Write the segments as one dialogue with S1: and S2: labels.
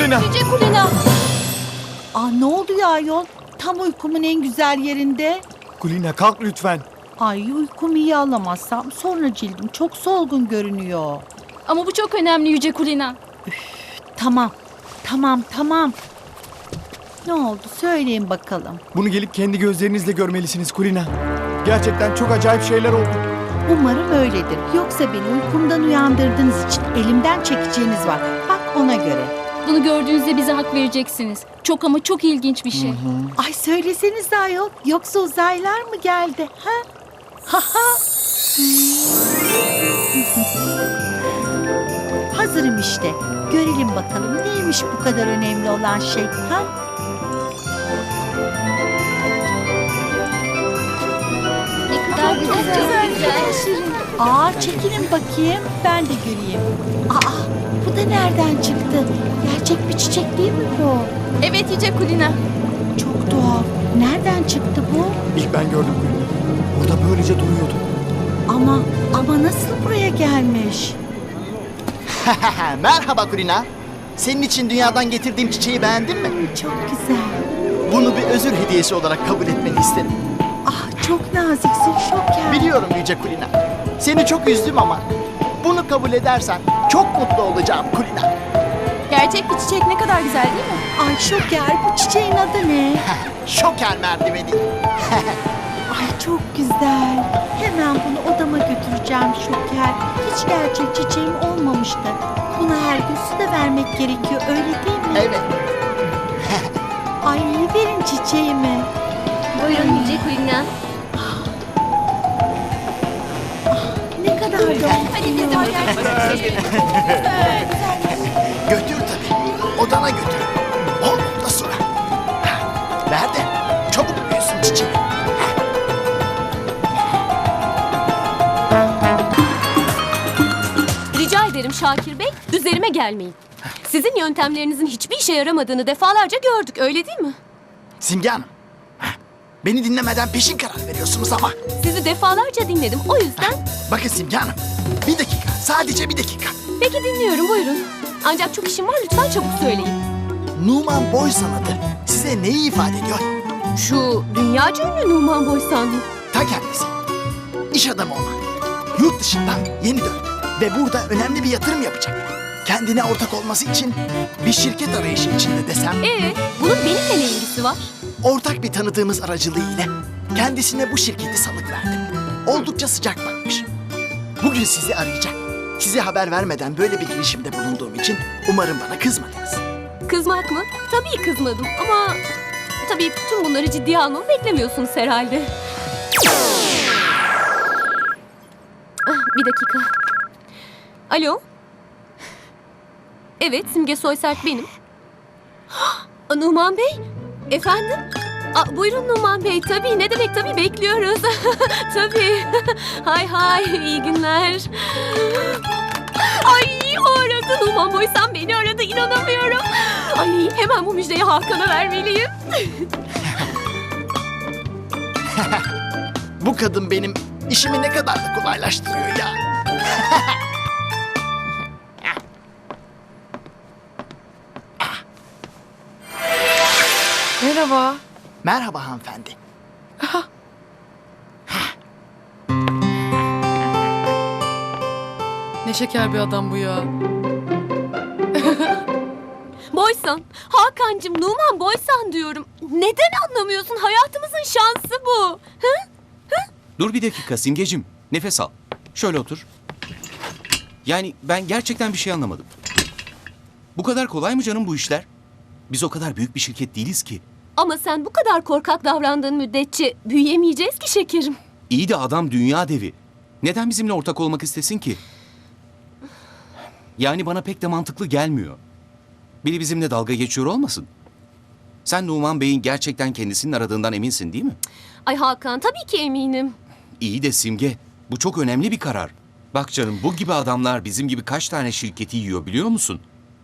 S1: Kulina.
S2: Yüce Kulina.
S3: Ne oluyor ayol? Tam uykumun en güzel yerinde.
S1: Kulina kalk lütfen.
S3: Ay uykumu iyi alamazsam sonra cildim çok solgun görünüyor.
S2: Ama bu çok önemli Yüce Kulina.
S3: Tamam. Ne oldu söyleyin bakalım.
S1: Bunu gelip kendi gözlerinizle görmelisiniz Kulina. Gerçekten çok acayip şeyler oldu.
S3: Umarım öyledir. Yoksa beni uykumdan uyandırdığınız için elimden çekeceğiniz var. Bak ona göre.
S2: Bunu gördüğünüzde bize hak vereceksiniz. Çok ama çok ilginç bir şey.
S3: Ay söyleseniz ayol. Yoksa uzaylılar mı geldi? Ha? Hazırım işte. Görelim bakalım neymiş bu kadar önemli olan şey. Ha?
S2: Ne kadar güzel.
S3: Çekilin bakayım. Ben de göreyim. Bu da nereden çıktı? Gerçek bir çiçek değil mi bu?
S2: Evet Yüce Kulina.
S3: Çok tuhaf. Nereden çıktı bu?
S1: İlk ben gördüm Kulina. Burada böylece duruyordu.
S3: Ama nasıl buraya gelmiş?
S4: Merhaba Kulina. Senin için dünyadan getirdiğim çiçeği beğendin mi?
S3: Çok güzel.
S4: Bunu bir özür hediyesi olarak kabul etmeni isterim.
S3: Çok naziksin Şoker.
S4: Biliyorum Yüce Kulina. Seni çok üzdüm ama bunu kabul edersen çok mutlu olacağım Kulina.
S2: Gerçek bir çiçek ne kadar güzel değil mi?
S3: Ay Şoker bu çiçeğin adı ne?
S4: Şoker merdiveni.
S3: Ay çok güzel. Hemen bunu odama götüreceğim Şoker. Hiç gerçek çiçeğim olmamıştı. Buna her gün su da vermek gerekiyor öyle değil mi?
S4: Evet.
S3: Ay verin çiçeğimi.
S2: Buyurun Yüce Kulina.
S3: Ne kadar da
S2: Hadi biz
S4: Götür tabii. Odana götür. Ondan sonra. Ver de çabuk büyüsün çiçeği.
S5: Rica ederim Şakir Bey, üzerime gelmeyin. Sizin yöntemlerinizin hiçbir işe yaramadığını defalarca gördük, öyle değil mi?
S4: Simge Hanım. Beni dinlemeden peşin karar veriyorsunuz ama.
S5: Sizi defalarca dinledim, o yüzden...
S4: Bakın Simge Hanım. Bir dakika. Sadece bir dakika.
S5: Peki dinliyorum, buyurun. Ancak çok işim var, lütfen çabuk söyleyin.
S4: Numan boy sanatı size neyi ifade ediyor?
S5: Şu dünyaca ünlü Numan Boysan mı?
S4: Ta kendisi. İş adamı olmak. Yurt dışından yeni döndü. Ve burada önemli bir yatırım yapacak. Kendine ortak olması için bir şirket arayışı içinde desem...
S5: Bunun benimle ne ilgisi var?
S4: Ortak bir tanıdığımız aracılığıyla kendisine bu şirketi salık verdim. Oldukça sıcak bakmış. Bugün sizi arayacak. Size haber vermeden böyle bir girişimde bulunduğum için umarım bana kızmadınız.
S5: Kızmak mı? Tabii kızmadım ama... Tabii tüm bunları ciddiye almamı beklemiyorsunuz herhalde. Bir dakika. Alo? Evet, Simge Soysert benim. Numan Bey? Efendim? Buyurun Numan Bey, tabii. Ne demek tabii, bekliyoruz. Tabii. Hay, iyi günler. Ay, o aradı. Numan Boysan beni aradı, inanamıyorum. Ay, hemen bu müjdeyi Hakan'a vermeliyim.
S4: Bu kadın benim işimi ne kadar da kolaylaştırıyor ya.
S6: Merhaba.
S4: Merhaba hanımefendi.
S6: Ne şeker bir adam bu ya.
S5: Boysan, Hakan'cığım Numan Boysan diyorum. Neden anlamıyorsun? Hayatımızın şansı bu.
S7: Dur bir dakika Simgeciğim. Nefes al. Şöyle otur. Yani ben gerçekten bir şey anlamadım. Bu kadar kolay mı canım bu işler? Biz o kadar büyük bir şirket değiliz ki.
S5: Ama sen bu kadar korkak davrandığın müddetçe büyüyemeyeceğiz ki şekerim.
S7: İyi de adam dünya devi. Neden bizimle ortak olmak istesin ki? Yani bana pek de mantıklı gelmiyor. Biri bizimle dalga geçiyor olmasın? Sen Numan Bey'in gerçekten kendisinin aradığından eminsin değil mi?
S5: Ay Hakan, tabii ki eminim.
S7: İyi de Simge, bu çok önemli bir karar. Bak canım, bu gibi adamlar bizim gibi kaç tane şirketi yiyor biliyor musun?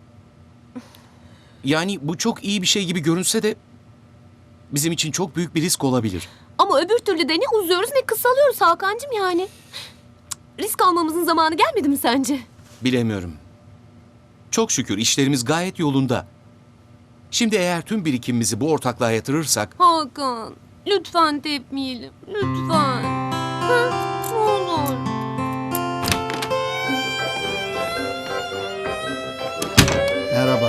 S7: Yani bu çok iyi bir şey gibi görünse de bizim için çok büyük bir risk olabilir.
S5: Ama öbür türlü de ne uzuyoruz ne kısalıyoruz Hakan'cığım yani. Risk almamızın zamanı gelmedi mi sence?
S7: Bilemiyorum. Çok şükür işlerimiz gayet yolunda. Şimdi eğer tüm birikimimizi bu ortaklığa yatırırsak
S5: Hakan, lütfen tepmeyelim. Lütfen. Ha, ne olur.
S1: Merhaba.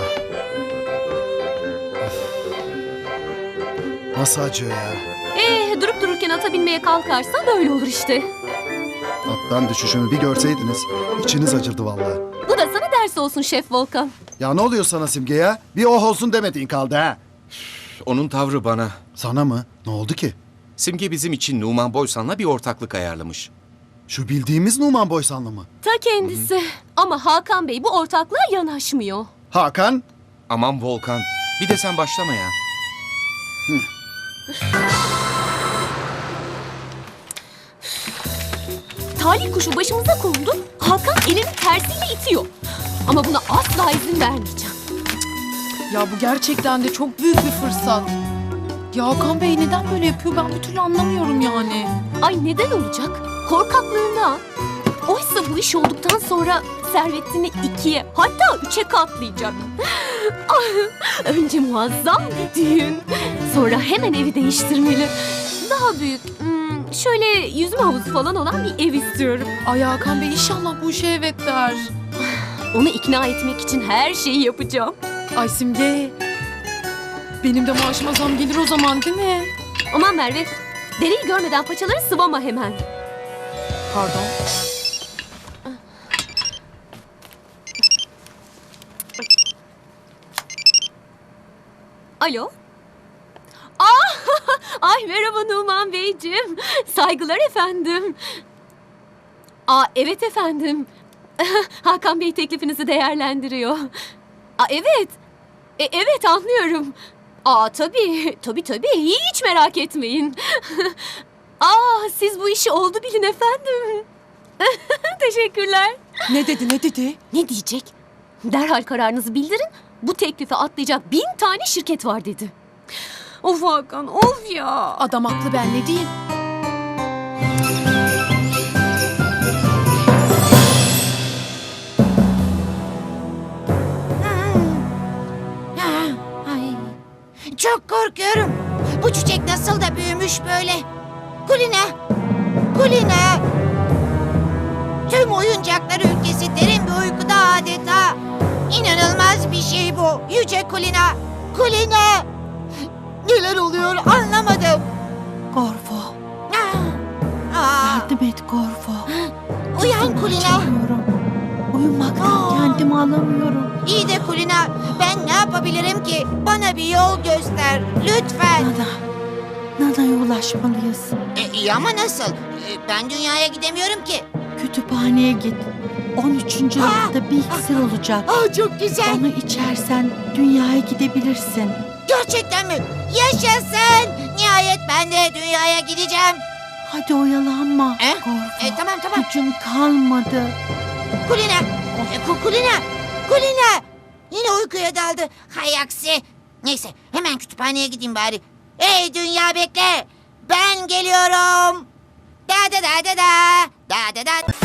S1: Nasıl acıyor ya?
S5: Durup dururken ata binmeye kalkarsan böyle olur işte.
S1: Attan düşüşümü bir görseydiniz içiniz acırdı vallahi.
S5: Bu da sana ders olsun Şef Volkan.
S1: Ya ne oluyor sana Simge ya? Bir oh olsun demediğin kaldı ha.
S7: onun tavrı bana.
S1: Sana mı? Ne oldu ki?
S7: Simge bizim için Numan Boysan'la bir ortaklık ayarlamış.
S1: Şu bildiğimiz Numan Boysanlı mı?
S5: Ta kendisi. Ama Hakan Bey bu ortaklığa yanaşmıyor.
S1: Hakan?
S7: Aman Volkan, bir de sen başlama ya.
S5: Talih kuşu başımıza kondu. Hakan elini tersiyle itiyor. Ama buna asla izin vermeyeceğim.
S6: Ya bu gerçekten de çok büyük bir fırsat. Ya Hakan Bey neden böyle yapıyor ben bir türlü anlamıyorum yani.
S5: Ay neden olacak? Korkaklığından. Oysa bu iş olduktan sonra servetini 2'ye hatta 3'e katlayacak. Önce muazzam bir düğün. Sonra hemen evi değiştirmeli. Daha büyük, şöyle yüzme havuzu falan olan bir ev istiyorum.
S6: Ay Hakan Bey inşallah bu işe evet der.
S5: Onu ikna etmek için her şeyi yapacağım.
S6: Ay Simge. Benim de maaşıma zam gelir o zaman değil mi?
S5: Aman Merve, dereyi görmeden paçaları sıvama hemen.
S6: Pardon.
S5: Alo? Ay merhaba Numan Beyciğim. Saygılar efendim. Evet efendim. Hakan Bey teklifinizi değerlendiriyor. Evet. Evet anlıyorum. Tabii. Hiç merak etmeyin. Siz bu işi oldu bilin efendim. Teşekkürler.
S6: Ne dedi?
S5: Ne diyecek? Derhal kararınızı bildirin. Bu teklife atlayacak 1000 tane şirket var dedi. Of Hakan, of ya.
S6: Adam haklı ben ne diyeyim?
S3: Ay, çok korkuyorum. Bu çiçek nasıl da büyümüş böyle. Kulina. Tüm oyuncaklar ülkesi derin bir uykuda adeta. İnanılmaz bir şey bu. Yüce Kulina. Neler oluyor anlamadım. Gorfo. Yardım et Gorfo. Uyan Kulina. Uyumaktan kendimi alamıyorum. İyi de Kulina, ben ne yapabilirim ki? Bana bir yol göster, lütfen. Nana'ya ulaşmalıyız.
S8: İyi ama nasıl? Ben dünyaya gidemiyorum ki.
S3: Kütüphaneye git. 13. rafta bir iksir olacak.
S8: Çok güzel.
S3: Onu içersen dünyaya gidebilirsin.
S8: Gerçekten mi? Yaşasın. Nihayet ben de dünyaya gideceğim.
S3: Hadi oyalanma
S8: Eh?
S3: Gorfo.
S8: Tamam.
S3: Gücüm kalmadı.
S8: Kulina. Yine uykuya daldı. Hay aksi. Neyse hemen kütüphaneye gideyim bari. Ey dünya bekle. Ben geliyorum. Da.